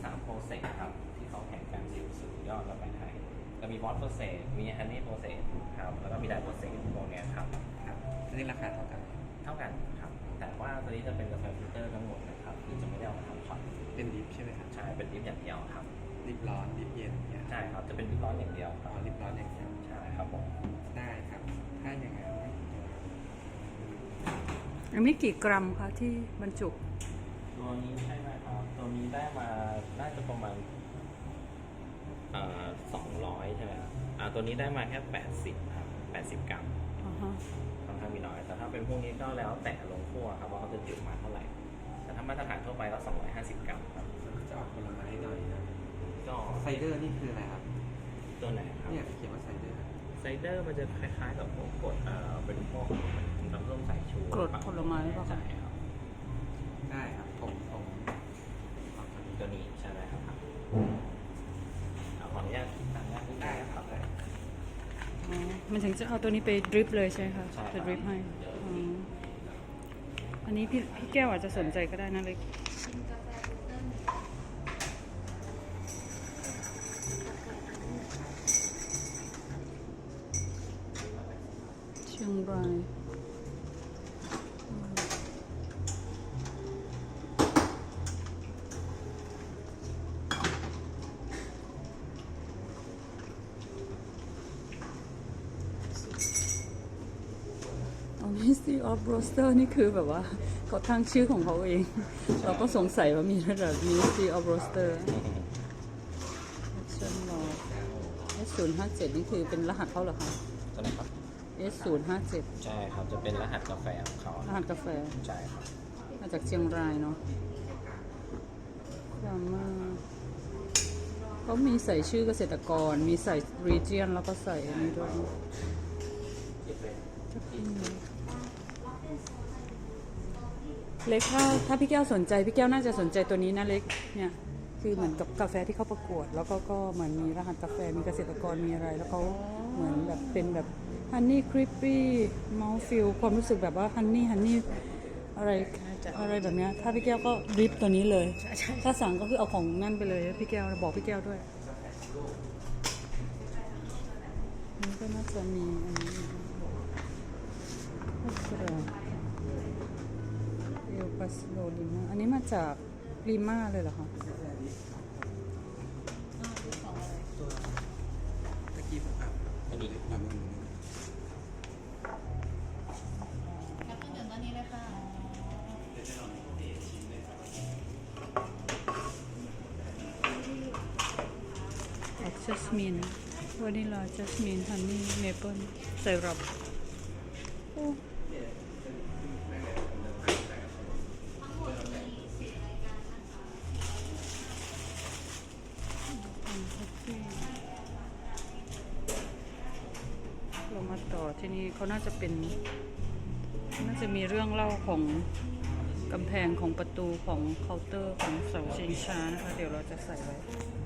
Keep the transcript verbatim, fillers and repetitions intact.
สามโปรเซสครับที่เขาแข่งกันสิบสุดยอดแล้วไปไทยก็มีบอสโปรเซสมีฮันนี่โปรเซสครับแล้วก็มีไดโปรเซสพวกเนี้ยครับครับอันนี้ราคาเท่ากันเท่ากันครับแต่ว่าตัวนี้จะเป็นกาแฟฟิลเตอร์ทั้งหมดนะครับคือจะไม่ได้เอามาทำช็อตเป็นดิฟใช่ไหมครับใช่เป็นดิฟอย่างเดียวครับดิฟร้อนดิฟเย็นเนี่ยใช่ครับจะเป็นดิฟร้อนอย่างเดียวครับอ๋อดิฟร้อนอย่างเดียวใช่ครับผมได้ครับถ้าอย่างนั้นอันนี้กี่กรัมคะที่บรรจุตัวนี้ใช่ไหมครับตัวนี้ได้มาน่าจะประมาณอ่าสองร้อยใช่ไหมครับอ่าตัวนี้ได้มาแค่แปดสิบครับแปดสิบกรัมอ่าฮะค่อนข้างมีน้อยแต่ถ้าเป็นพวกนี้ก็แล้วแต่ลงคั่วครับว่าเขาจะจุมาเท่าไหร่แต่ถ้ามาตรฐานทั่วไปก็สองร้อยห้าสิบกรัมครับจะออกผลไม้หน่อยนะก็ไซเดอร์นี่คืออะไรครับตัวไหนครับเนี่ยเขียนว่าไซเดอร์ไซเดอร์มันจะคล้ายๆกับพวกกรดเอ่อเป็นพวกน้ำส้มสายชูกรดผลไม้ป่ะคะใช่ครับได้ครับผมผมตัวนี้ใช่ไหมครับเอาขออนุญาตคิดตังค์ได้ได้ครับได้อ๋อมันถึงจะเอาตัวนี้ไปดริปเลยใช่ไหมคะจะดริปให้อ๋ออันนี้พี่พี่แก้วอาจจะสนใจก็ได้นะเล็กเชียงรายMystery of Roaster นี่คือแบบว่าเขาตั้งชื่อของเขาเอง เราก็สงสัยว่ามีระดับ Mystery of Roaster เชิญรอ เอส ศูนย์ ห้า เจ็ด นี่คือเป็นรหัสเขาเหรอคะตัวไหนครับเอส ศูนย์ ห้า เจ็ดใช่ครับจะเป็นรหัสกาแฟของเขารหัสกาแฟใช่ครับมาจากเชียงรายเนาะความมาเขามีใส่ชื่อเกษตรกรมีใส่ region แล้วก็ใส่อันนี้ด้วยเล็กถ้าถ้าพี่แก้วสนใจพี่แก้วน่าจะสนใจตัวนี้นะเล็กเนี่ยคือเหมือนกับกาแฟที่เขาประกวดแล้วก็ก็เหมือนมีรหัสกาแฟมีเกษตรกรมีอะไรแล้วเขาเหมือนแบบเป็นแบบฮันนี่คริปปี้มอลฟิลความรู้สึกแบบว่าฮันนี่ฮันนี่อะไรอะไรแบบเนี้ยถ้าพี่แก้วก็ดริปตัวนี้เลยถ้าสั่งก็คือเอาของนั่นไปเลยพี่แก้วบอกพี่แก้วด้วยนี่ก็น่าจะมีอันนี้เอลปาสโลลิมาอันนี้มาจากลิมาเลยเหรอคะตะกี้ผมอ่านอันนี้อ่านมันแล้วก็หนึ่งอันนี้เลยค่ะออกจัสมินวานิลาจัสมินฮันนี่เมเปิลไซรัปเรามาต่อที่นี่เขาน่าจะเป็นน่าจะมีเรื่องเล่าของกำแพงของประตูของเคาน์เตอร์ของเสาชิงช้านะคะเดี๋ยวเราจะใส่ไว้